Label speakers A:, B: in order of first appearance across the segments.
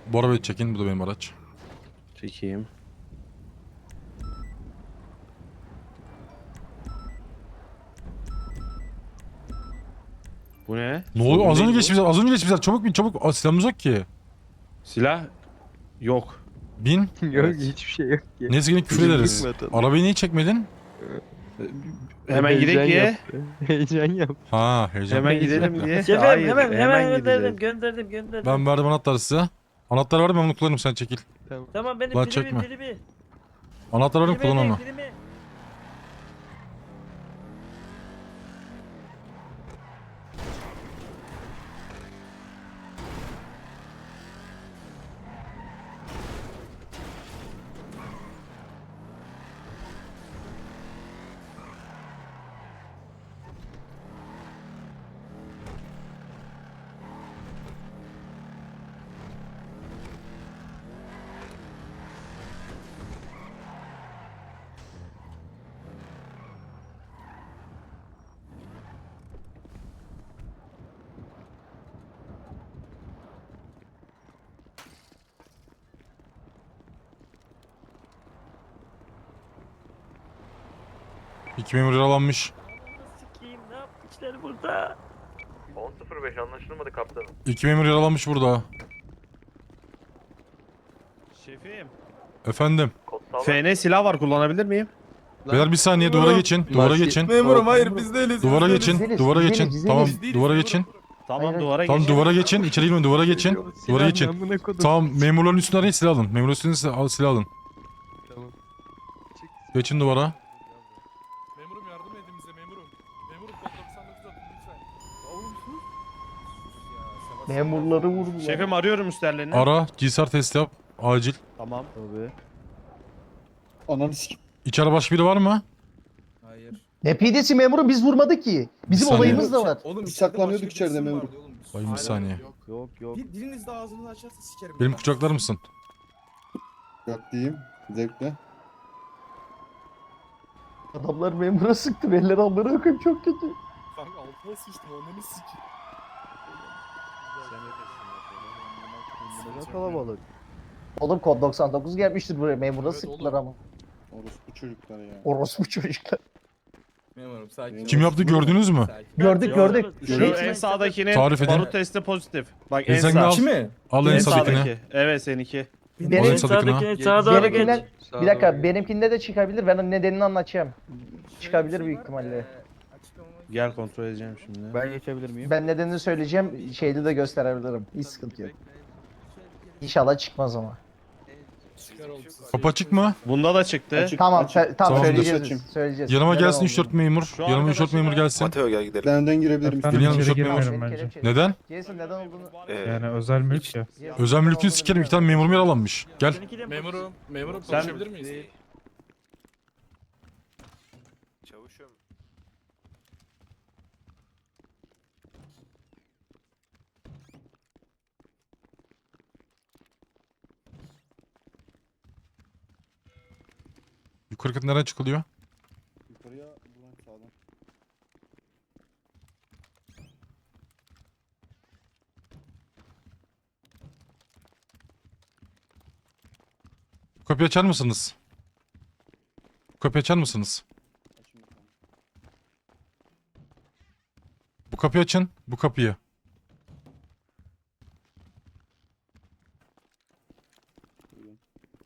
A: Bu arabayı çekin. Bu da benim araç.
B: Çekeyim. Bu ne?
A: Ne oluyor? Az
B: Sorun
A: önce
B: değil
A: geçmişler. Az önce geçmişler. Çabuk bin çabuk. Aa, silahımız yok ki.
B: bu. Silah yok.
A: Bin.
C: Yok
B: Evet.
C: hiçbir şey yok ki.
A: Neyse yine küfür ederiz. Arabayı niye çekmedin?
B: Hemen gidelim diye.
C: Yaptı. Heyecan yap.
A: Ha heyecan.
B: Hemen gidelim diye.
D: Şefim
B: Hayır,
D: hemen
B: gideceğiz.
D: gönderdim.
A: Ben verdim anahtarı size. Anahtarı verdim, ben onu kullanırım, sen çekil.
D: Tamam benim
A: Lan
D: primim
A: çekme.
D: primi.
A: Anahtarı verdim, kullan onu.
D: Primi.
A: İki memur yaralanmış.
D: Sikiyim ne yapmışlar burada?
E: 10.05 anlaşılmadı kaptanım.
A: İki memur yaralanmış burada.
B: Şefim.
A: Efendim.
E: Kod sağlam.
B: FN silah var, kullanabilir miyim?
A: Beyler bir saniye, duvara geçin. Duvara geçin.
F: Memurum hayır biz değiliz.
A: Duvara geçin.
G: Güzeliz,
A: Duvara
G: güzeliz,
A: geçin.
G: güzeliz.
A: Tamam,
F: Değiliz,
A: duvara
F: memurum.
A: geçin.
B: Tamam,
G: Hayır,
B: duvara
A: Tamam,
B: geç.
A: duvara geçin. İçeri girmeyin, duvara geçin. Duvara geçin.
C: Amına kodum.
A: Tamam, memurların üstüne arayın, silah alın. Memurların üstüne silah alın.
C: Tamam.
A: Geçin duvara.
F: Memurum yardım edin bize memurum. Memurum kod 99 atın lütfen.
G: Memurları vurdular.
B: Şefim, arıyorum üstlerlerini.
A: Ara, GSR test yap. Acil.
B: Tamam. Tabii.
G: Ananı sikim.
A: İçeride başka biri var mı?
F: Hayır.
G: Ne pidesi memurum, biz vurmadık ki. Bizim
A: saniye.
G: olayımız da var.
F: Oğlum
H: Biz saklanıyorduk içeride
F: memurum.
H: memurum.
A: Bayım bir saniye.
B: Yok.
F: Diliniz de ağzınızı açarsa sikerim.
A: Benim kucaklar mısın?
H: Yok diyeyim. Zevkle.
G: Adamlar memura sıktı. Eller alları akım çok kötü.
F: Kanka altıma sıçtım onları sikeyim.
G: Kalabalık. Oğlum kod 99 gelmiştir buraya. Memura
F: Evet,
G: sıktılar
F: oğlum.
G: ama.
H: Orospu çocuklar ya.
G: Orospu çocuklar.
F: Memurum sakin.
A: Kim yaptı, gördünüz mü?
F: Sakin.
G: Gördük gördük.
B: Şu en sağdakinin
A: Tarif edin.
B: barut testi pozitif. Bak en
A: Sen de al.
B: sağ.
F: mi?
A: Al en
B: En
A: sağdakini.
B: sağdaki. Evet, seninki.
G: Benim,
A: Oraya sadıkına.
D: Sağdakine sağa doğru geç.
G: benimkinden, bir dakika benimkinde de çıkabilir. Ben onun nedenini anlatacağım. Çıkabilir büyük ihtimalle.
B: Gel kontrol edeceğim şimdi.
C: Ben geçebilir miyim?
G: Ben nedenini söyleyeceğim. Şeyde de gösterebilirim. Hiç sıkıntı yok. İnşallah çıkmaz ama.
F: Çıkar oğlum.
A: Kapı açık mı?
B: Bunda da çıktı.
H: Açık,
G: Tamam,
H: açık.
G: tamam
A: Tamam,
G: söyleyeceğiz.
H: açayım.
G: Söyleyeceğiz.
A: Yanıma
G: Neden
A: gelsin
G: olduğunu.
A: 3-4 memur.
B: Şu
A: Yanıma 3-4 memur
B: arkadaşlar-
A: gelsin.
E: Mateo gel gidelim.
H: Ben önden girebilirim.
A: Gelin yanıma
C: içeri
A: 3-4 memur.
C: girmiyorum bence.
G: Kelepçe.
A: Neden?
G: Jason neden olduğunu...
E: Yani
C: özel mülk ya.
G: Jason
A: Özel
G: neden
A: mülkünü
G: olduğunu
A: sikerim. İki
G: bilmiyorum.
A: tane memurum yaralanmış. Gel.
D: Seninki de mi?
F: Memurum
B: Sen-
F: konuşabilir miyiz?
E: çavuşum.
A: Yukarı kat nereden çıkılıyor?
H: Yukarıya buradan sağdan.
A: Kapıyı açar mısınız? Kapıyı açar mısınız?
H: Açın bakalım.
A: Bu kapıyı açın. Bu kapıyı.
H: Buyurun.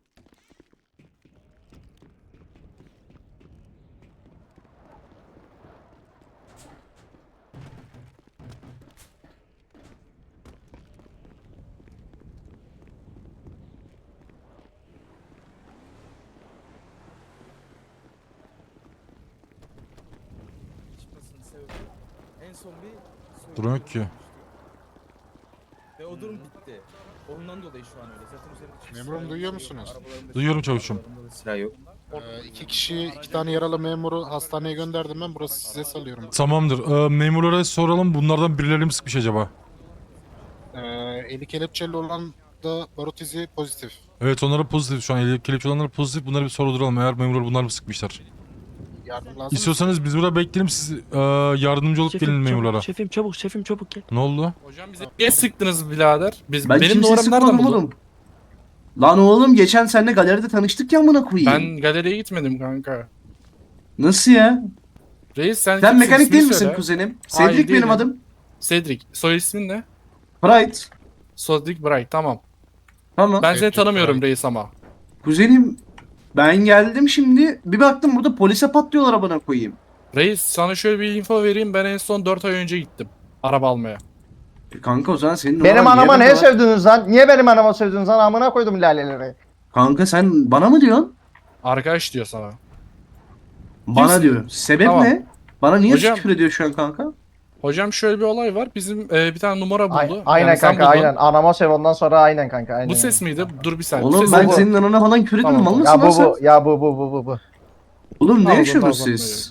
F: Çıkmasının sebebi en son bir
A: Durum yok ki.
F: ve o durum bitti. Ondan dolayı şu an öyle. Zaten üzerinde çıkış
I: Memurum,
F: var.
I: duyuyor musunuz?
F: Arabalarında
A: Duyuyorum
F: çıkış var,
A: çavuşum.
F: arabalarında da silah yok.
I: İki kişi, iki tane yaralı memuru hastaneye gönderdim ben. Burası size salıyorum.
A: Tamamdır. Memurlara soralım. Bunlardan birileri mi sıkmış acaba?
I: Eli kelepçeli olan da barut izi pozitif.
A: Evet, onlara pozitif şu an. Eli kelepçe olanlara pozitif. Bunları bir sordulalım. Eğer memurlar bunlar mı sıkmışlar?
I: Yardım lazım mı?
A: İstiyorsanız biz burada bekleyelim. Siz yardımcı olup gelin memurlara.
D: Şefim çabuk gel.
A: Ne oldu?
F: Hocam bize niye sıktınız birader?
H: Ben
F: Benim
H: kimseyi
F: numaramı nereden
H: sıkmadım
F: buldun?
H: oğlum.
J: Lan oğlum geçen seninle galeride tanıştık ya amına koyayım.
K: Ben galeriye gitmedim kanka.
J: Nasıl ya?
K: Reis sen
J: Sen
K: kimsin?
J: mekanik
K: İsmini
J: değil misin
K: söyle.
J: kuzenim?
K: Hayır,
J: Cedric benim
K: değilim.
J: adım.
K: Cedric. Soy ismin ne?
J: Pride.
K: Cedric Bright tamam.
J: Tamam.
K: Ben seni tanımıyorum reis ama.
J: Kuzenim ben geldim şimdi bir baktım burada polise patlıyorlar amına koyayım.
K: Reis sana şöyle bir info vereyim. Ben en son 4 ay önce gittim. Araba almaya.
J: Kanka o zaman senin
G: Benim
J: numara
G: anama
J: niye
G: ne
J: bende var?
G: sövdünüz lan? Niye benim anama sövdünüz lan? Amına koydum laleleri.
J: Kanka sen bana mı diyorsun?
K: Arkadaş diyor sana.
J: Bana
K: Kimsin?
J: diyor. Sebep
K: Tamam.
J: ne? Bana niye
K: Hocam-
J: küfür ediyor şu an kanka?
K: Hocam şöyle bir olay var. Bizim bir tane numara buldu.
G: Aynen
K: Yani sen
G: kanka
K: buldun.
G: aynen. Anama söv ondan sonra aynen kanka aynen.
K: Bu ses miydi? Dur bir saniye.
J: Oğlum
K: Bu
J: ben
K: ses
J: senin anana falan küfür etmem.
K: Tamam.
J: Mal mısın
G: Ya
J: lan
G: bu
J: sen?
G: bu ya bu.
J: Oğlum ne
K: Pardon,
J: yaşıyorsunuz
K: pardon,
J: siz?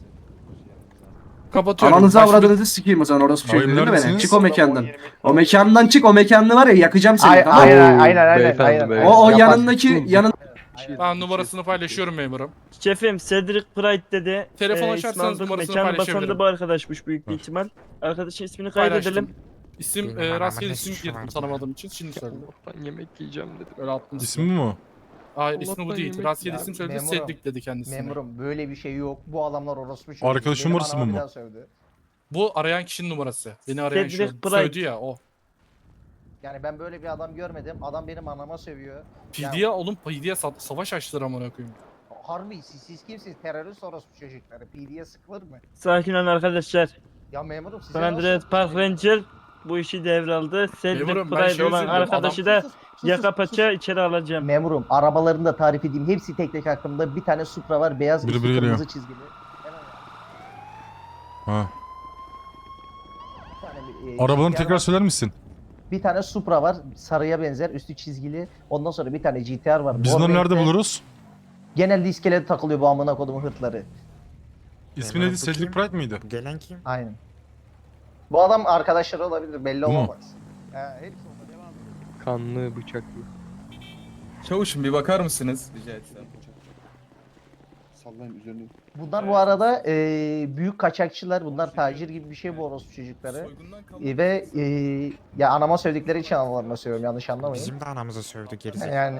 K: kapatıyorum.
J: Ananızı
K: Başka bir-
J: avradınızı sikeyim o zaman orası bir şey
A: Abi
J: değil mi beni?
A: neredesiniz?
J: Çık o mekandan. O mekandan çık o mekanlı var ya yakacağım seni tamam mı?
G: Aynen.
J: O
G: Yapar.
J: yanındaki
K: Tamam numarasını paylaşıyorum memurum.
D: Şefim Cedric Bright dedi.
K: Telefon
D: İsmi
K: açarsanız
D: aldık,
K: numarasını
D: mekanı
K: paylaşabilirim.
D: basan da bu arkadaşmış büyük bir ihtimal. Arkadaşın ismini kaydedelim.
K: Paylaştım. İsim rastgele isim girdim tanımadığım için şimdi söyledim.
C: Allah'tan yemek yiyeceğim dedim.
K: Öyle attım.
A: İsmi mi o?
K: Hayır ismi bu
C: Allah'tan
K: değil.
C: yemek
K: Rastgele
G: Ya,
K: isim söyledi.
G: memurum.
K: Cedric dedi kendisine.
G: Memurum böyle bir şey yok. Bu adamlar orospu çocuğu.
A: Arkadaşın
G: Benim
A: numarası
G: anama
A: mı
G: bir
A: bu?
G: daha sövdü.
K: Bu arayan kişinin numarası. Beni arayan
D: Cedric
K: şu
D: Bright.
K: söyledi ya o.
G: Yani ben böyle bir adam görmedim. Adam benim anama sövüyor.
K: PD'ye oğlum PD'ye savaş açtılar amına koyayım.
G: Harbi siz kimsiniz? Terörist orospu çocukları. PD'ye sıkılır mı?
D: Sakin olun arkadaşlar.
G: Ya memurum size
D: San Andreas Park Ranger bu işi devraldı. Cedric
K: Memurum, ben
D: Bright
K: şey
D: olan
K: üzüldüm,
D: arkadaşı da yaka paça içeri alacağım.
G: Memurum arabalarını da tarif edeyim. Hepsi tek tek hakkımda. Bir tane Supra var. Beyaz
A: Biri
G: üstü
A: biri
G: kırmızı
A: geliyor.
G: çizgili. Hemen
A: Ha.
G: bir tane,
A: Arabalarını
G: GTR
A: tekrar
G: var.
A: söyler misin?
G: Bir tane Supra var. Sarıya benzer. Üstü çizgili. Ondan sonra bir tane GTR var.
A: Biz
G: mor
A: bunları nerede
G: renkte.
A: buluruz?
G: Genelde iskelede takılıyor bu amına kodumun hırtları.
A: İsmi neydi? Cedric Bright mıydı?
C: Gelen kim?
G: Aynen. Bu adam arkadaşları olabilir. Belli
A: Bu mu?
G: olamaz. Hepsi olabilir.
C: Kanlı bıçaklı.
F: Çavuşum bir bakar mısınız? Rica etsem.
H: Sallayayım üzerine.
G: Bunlar bu arada büyük kaçakçılar. Bunlar tacir gibi bir şey bu orospu çocukları.
F: Soygundan kalma.
G: Ve ya anama söyledikleri için analarına söylüyorum. Yanlış anlamayın.
C: Bizim de anamıza sövdü gerizekalı.
G: Yani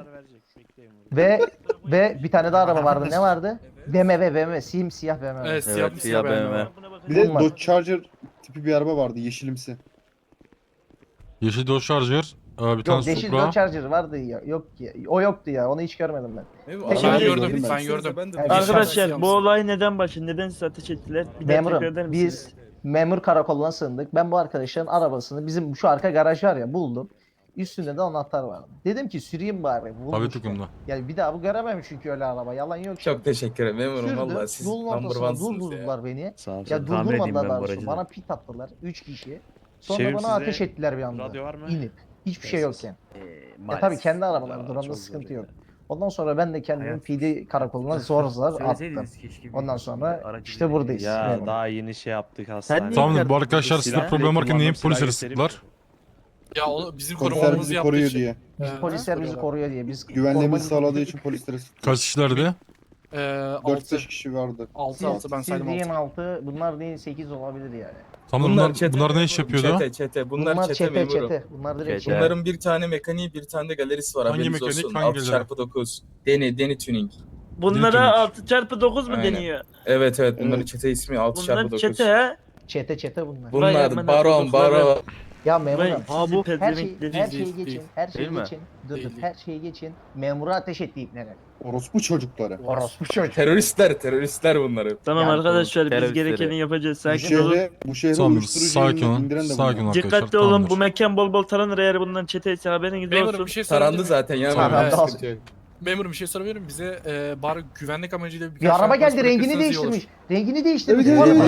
G: ve bir tane daha araba vardı. Ne vardı? BMW simsiyah BMW.
K: Evet siyah BMW.
H: Bir de
G: Bunlar.
H: Dodge Charger tipi bir araba vardı yeşilimsi.
A: Yeşil Dodge Charger. Bir tane
G: Yok yeşil
A: Supra.
G: Dodge Charger vardı ya. Yok ki. O yoktu ya. Onu hiç görmedim ben.
F: Evet,
G: Ben
F: abi,
K: gördüm,
F: gördüm,
K: ben gördüm.
F: Ben de
G: Evet.
D: Arkadaşlar bu olay neden başladı? Neden siz ateş ettiler? Bir daha tekrar eder
G: Memurum
D: misiniz?
G: biz memur karakoluna sığındık. Ben bu arkadaşların arabasını bizim şu arka garaj var ya buldum. Üstünde de anahtar vardı. Dedim ki süreyim bari.
A: Abi
G: Bulmuşlar.
A: takımda.
G: Yani bir daha bu göremem çünkü öyle araba. Yalan yok.
F: Çok teşekkür ederim memurum
G: Sürdüm.
F: valla siz
G: Yolun
F: number
G: ortasına
F: one'sınız ya.
G: durdurdular beni.
B: Sağ ol.
G: Ya durdurmadılar daha doğrusu. Bana pit attılar. 3 kişi. Sonra
B: Şefim,
G: bana
B: sizde
G: ateş ettiler bir anda.
B: radyo var mı?
G: İnip. Hiçbir şey yokken. Ya tabii kendi arabaları durumda sıkıntı yok. Ondan sonra ben de kendimi PD karakoluna zor zor attım. Ondan sonra işte buradayız.
B: Ya
G: memurum.
B: daha yeni şey yaptık hastanede.
A: Tamamdır bu arkadaşlar sizde
B: Silah-
A: problem varken niye
B: Silah
A: polislere
B: göstereyim
A: sıktılar?
K: Ya o bizim
H: Polisler
K: korumamızı
H: bizi
K: yaptığı
H: koruyor
K: için.
H: diye.
G: Polisler bizi koruyor diye biz
H: Güvenliğimizi
G: koruma-
H: sağladığı için polislere sıktık.
A: Kaç kişilerdi?
H: 4-5 kişi vardı.
K: 6 ben
G: Siz
K: saydım
G: deyin
K: 6.
G: 6, bunlar değil 8 olabilir yani.
A: Tamam bunlar ne iş yapıyordu?
F: Çete.
G: Bunlar çete. Bunlar direkt çete.
F: Bunların bir tane mekaniği bir tane de galerisi var
A: Hangi
F: haberiniz
A: mekanik,
F: olsun.
A: hangi
F: 6x9. Deni Tuning.
D: Bunlara 6x9 mu
F: Aynen.
D: deniyor?
F: Evet bunların
H: Evet.
F: çete ismi
D: Bunlar
F: 6x9.
D: çete ha?
G: Çete bunlar.
D: Vay
F: Bunlar
D: amına
F: baron.
D: kodukları.
G: Ya
D: Vay
G: memurum
D: sizi
G: her
D: pezevenkleri.
G: şeyi geçin. Her şeyi geçin. Dur
K: Değil.
G: her şeyi geçin. Memura ateş etti ipnere.
H: Orospu çocukları.
G: Orospu çocuk.
F: Teröristler bunları.
D: Tamam
G: Yani
D: arkadaşlar biz
C: teröristleri.
D: gerekeni yapacağız.
H: Bu
D: Sakin olun.
H: şehre
A: Tamamdır
H: uyuşturucu
A: sakin
H: indiren
A: olun.
H: de bunlar.
A: Sakin olun arkadaşlar.
D: Dikkatli olun
A: tamamdır.
D: bu mekan bol bol taranır eğer bundan çeteyse haberiniz
K: Memurum
D: olsun.
K: bir şey sorabilir
F: Tarandı
K: miyim?
F: zaten ya.
G: Tamam,
F: memurum,
G: tamam.
F: sıkıntı yok.
K: Memurum bir şey sorabilir miyim? Bize bari güvenlik amacıyla birkaç
G: Bir araba
K: tane
G: geldi
K: polis
G: rengini
K: bırakırsanız iyi olur.
G: değiştirmiş. Rengini değiştirmiş.
H: Evet,
G: Bu araba.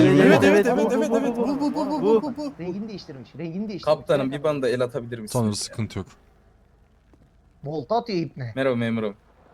H: evet.
G: Rengini değiştirmiş. Rengini değiştirmiş.
F: Kaptanım bir bana da el atabilir misiniz?
A: Tamamdır
F: ya?
A: sıkıntı yok.
G: Volta atıyor ipne.
F: Merhaba memurum.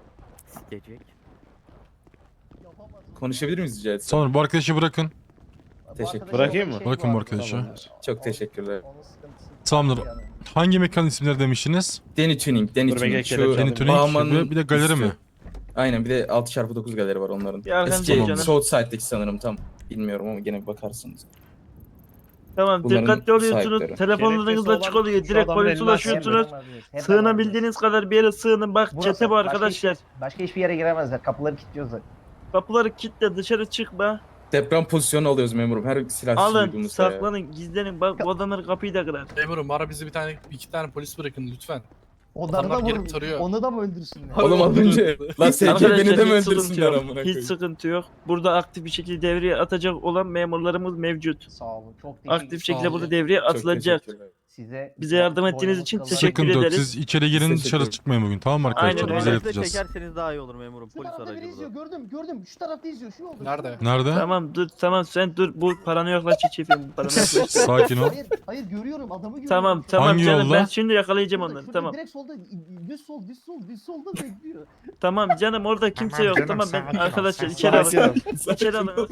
F: Konuşabilir miyiz rica etsem?
A: Tamamdır bu arkadaşı bırakın.
F: Teşekkür.
B: Bırakayım mı?
A: Bırakın bu arkadaşı.
F: Çok teşekkürler.
A: Tamamdır. Hangi mekan isimleri demiştiniz?
F: Deni Tuning.
B: Dur,
F: Tuning.
B: bekle,
F: Şu
B: kelepçe
A: Deni Tuning
F: Bağman'ın
A: ve bir de galeri
F: üstü.
A: mi?
F: Aynen bir de 6x9 galeri var onların.
D: Bir arkanıza
F: Eski
D: canım.
F: Southside'deki sanırım tam. Bilmiyorum ama gene bir bakarsınız.
D: Tamam
F: Bunların
D: dikkatli oluyorsunuz.
F: sahipleri.
D: Telefonlarınız
B: Gerekçesi
D: açık
B: olan
D: oluyor.
B: şu
D: Direkt
B: adamın
D: polise
B: eline
D: ulaşıyorsunuz.
G: Hemen
D: Sığınabildiğiniz kadar bir yere sığının. Bak
G: Burası.
D: çete bu arkadaşlar.
G: Başka hiçbir yere giremezler. Kapıları kilitliyoruz.
D: Kapıları kilitle, dışarı çıkma.
F: Deprem pozisyonu alıyoruz memurum. Her silah
D: Alın,
F: duyduğumuzda ya.
D: saklanın, gizlenin. Bak bu adamlar kapıyı da kırar.
K: Memurum bana bizi iki tane polis bırakın lütfen.
G: Onları da
K: Adamlar gelip
G: vurun.
K: tarıyor.
G: Onu da mı öldürsünler?
F: Oğlum az önce. Lan SC
D: Arkadaşlar,
F: beni de mi
D: hiç sıkıntı
F: öldürsünler
D: yok.
F: amına
D: Hiç
F: koyayım?
D: sıkıntı yok. Burada aktif bir şekilde devreye atacak olan memurlarımız mevcut.
G: Sağ olun. Çok
D: Aktif şekilde
K: olun.
D: burada devreye
F: Çok
D: atılacak.
F: teşekkürler.
G: Size
D: Bize yardım ettiğiniz için
G: boynunuz
D: teşekkür
A: Sıkıntı yok.
D: ederiz.
A: Siz içeri girin
F: Teşekkür
A: dışarı
F: ederim.
A: çıkmayın bugün. Tamam mı arkadaşlar?
D: Aynen
A: Biz
D: öyle.
A: halledeceğiz.
E: çekerseniz daha iyi olur memurum.
G: Şu tarafta biri izliyor. Gördüm. Şu tarafta izliyor. Şu oldu.
K: Nerede?
A: Nerede?
D: Tamam dur, tamam sen dur. Bu paranı yoklaş çiçeğim. Bu paranı yoklaş.
A: Sakin ol.
G: Hayır görüyorum. Adamı görüyorum.
D: Tamam tamam
A: Hangi
D: canım
A: yolda?
D: ben şimdi yakalayacağım onları.
G: Şurada,
D: Tamam.
G: Direkt solda. Düz solda bekliyor.
D: Tamam canım orada kimse yok. Tamam ben arkadaşlar içeri
B: Sakin
D: alın.
B: ol.
D: İçeri alın.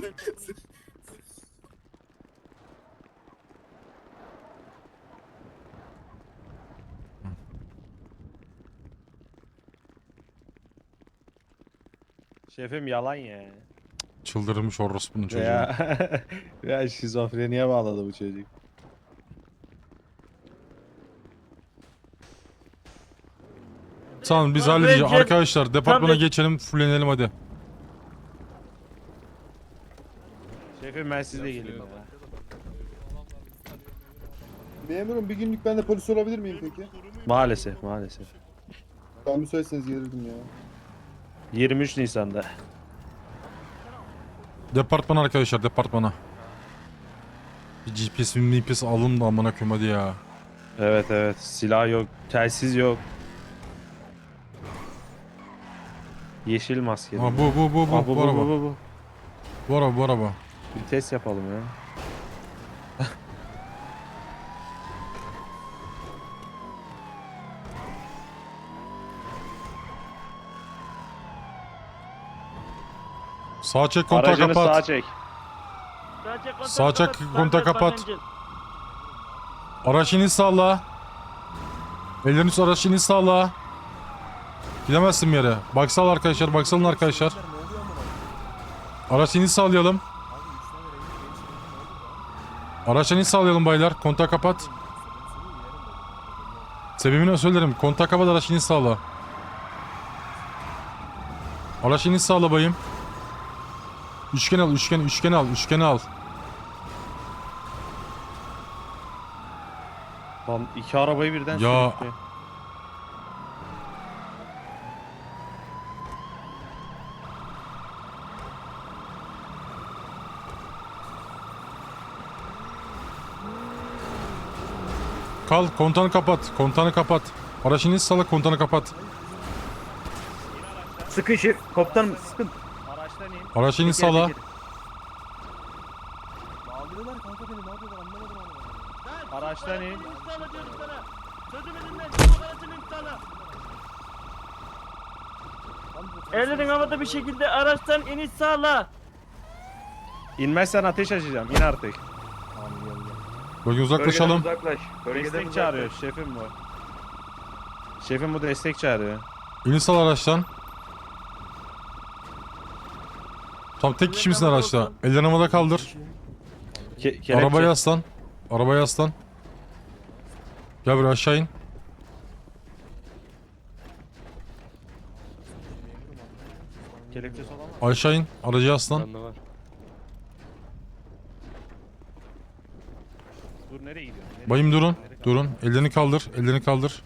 B: Şefim yalan ya.
A: Çıldırmış orospunun çocuğu.
B: Ya şizofreniye bağladı bu çocuk.
A: Tamam biz
D: Lan
A: halledeceğiz.
D: Recep,
A: Arkadaşlar departmana
D: tam-
A: geçelim. Fullenelim hadi.
B: Şefim ben sizle geleyim baba.
H: Memurum bir günlük ben de polis olabilir miyim peki?
B: Maalesef.
H: Ben müsaitseniz gelirdim ya.
B: 23 Nisan'da.
A: Departmana arkadaşlar departmana. Bir GPS alın da amına koyayım hadi ya.
B: Evet. Silah yok. Telsiz yok. Yeşil maske.
A: Ha bu
B: bu
A: araba.
B: bu.
A: Bu araba.
B: Bir test yapalım ya.
A: Sağ çek kontağı
B: Aracını
A: kapat.
B: sağa çek.
A: Sağ çek, kontağı kapat. Araç iniş sağla. Ellerini üstü araç iniş sağla. Gidemezsin bir yere. Baksal arkadaşlar, baksalın arkadaşlar. Araç iniş sağlayalım. Araç iniş sağlayalım baylar. Kontağı kapat. Sebebini söylerim. Kontağı kapat, araç iniş sağla. Araç iniş sağla bayım. Üçgen al, üçgeni al.
B: Lan iki arabayı birden
A: Ya.
B: sürüklüyor.
A: Kal, kontağını kapat. Araç iniş sağla, kontağını kapat.
D: Sıkın şef. Komutanım sıkın.
B: Araçtan in.
A: Araç iniş sağla.
B: Araçtan in.
D: Ellerin havada bir şekilde araçtan iniş sağla.
B: İnmezsen ateş açacağım. İn artık.
A: Bölge uzaklaşalım.
B: Destek çağırıyor şefim bu. Şefim bu destek çağırıyor.
A: İniş sağla araçtan. Tam tek kişi misin araçta? Ellerini havada kaldır.
B: Kelepçe.
A: Arabaya aslan. Arabaya aslan. Gel buraya aşağı in.
B: Kelepçesi olan var.
A: Aşağı in. Aracıya aslan.
C: Bende var.
B: Dur nereye gidiyorsun? Nereye
A: Bayım durun.
B: gidiyorsun?
A: Durun. Ellerini kaldır. Ellerini kaldır.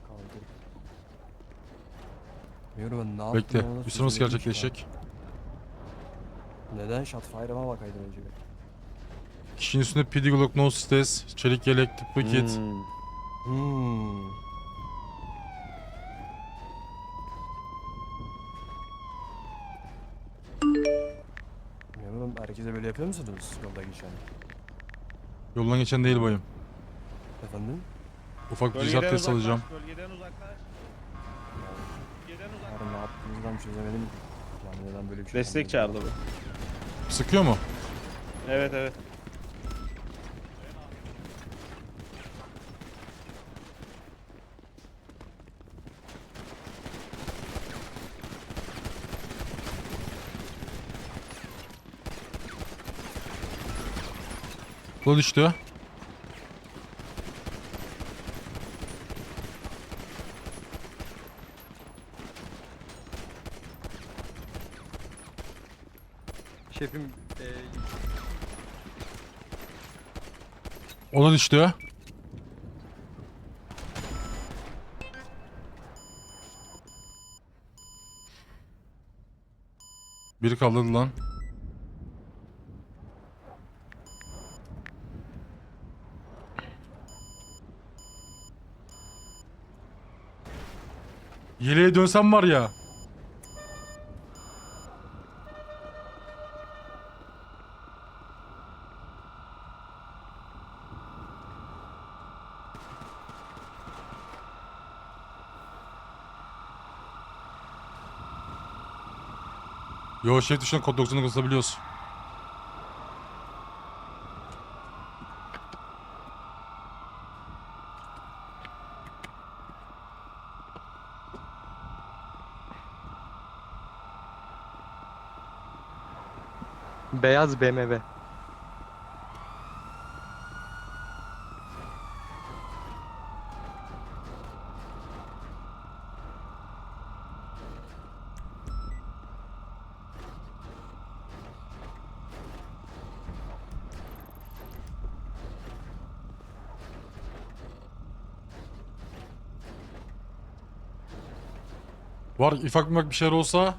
A: Bekle. Üstüne nasıl gerçekleşecek?
C: Neden Shotfire'ıma bakaydın önce bir?
A: Kişinin üstünde PD Glock, no stes, çelik yelek, tıbbi kit.
C: Memurum herkese böyle yapıyor musunuz yolda geçen?
A: Yoldan geçen değil bayım.
C: Efendim?
A: Ufak bir
B: Bölgeden
A: ticaret test
B: uzaklaş,
A: alacağım.
B: Bölgeden uzaklaş. Bölgeden uzaklaş.
C: Yarın ne yaptığınızdan çözemedim ki. Yani neden böyle bir şey
B: Destek
C: yapmadınız?
B: çağırdı bu.
A: Sıkıyor mu?
B: Evet.
A: Bu düştü.
C: Şefim
A: O da düştü. Biri kaldırdı lan. Yeleğe dönsem var ya. Yo şef dışında kod 90'ı kısabiliyoruz.
C: beyaz BMW.
A: Var ufak bir şeyler olsa.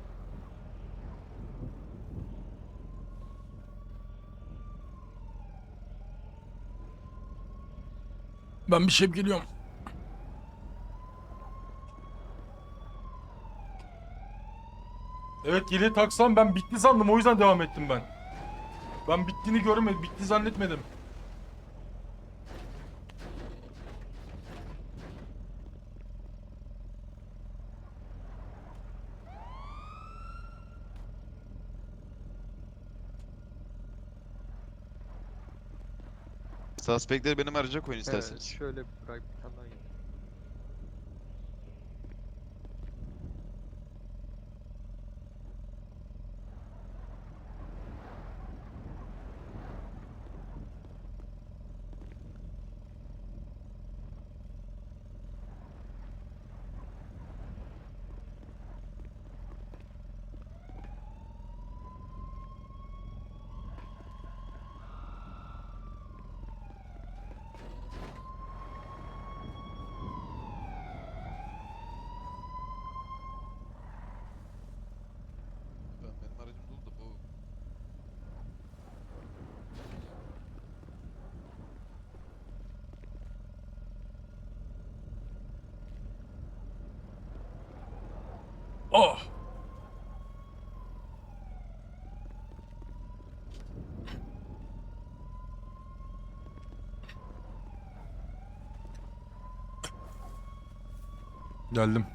A: Ben bir şey geliyorum. Evet yeleği taksam ben bitti sandım o yüzden devam ettim ben. Ben bittiğini görmedim, bitti zannetmedim.
E: Suspect'leri benim araca koyun isterseniz.
C: Şöyle bırak bir tane daha.
E: Benim aracım dolu da bu.
A: Oh! Geldim.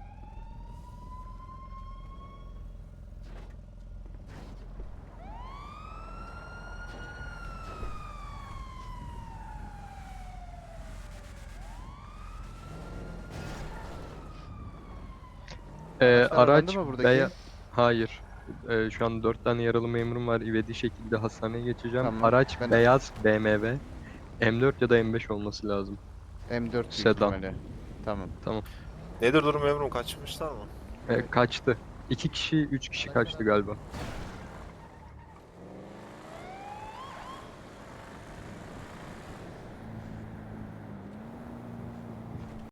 C: Araç Hayır. Şu an 4 tane yaralı memurum var. İvedi şekilde hastaneye geçeceğim.
E: Tamam,
C: Araç
E: ben-
C: beyaz BMW. M4 ya da M5 olması lazım.
E: M4
C: Sedan.
E: Tamam.
C: Tamam.
E: Nedir durum memurum, kaçmışlar mı?
C: Kaçtı. 2 kişi, 3 kişi kaçtı galiba.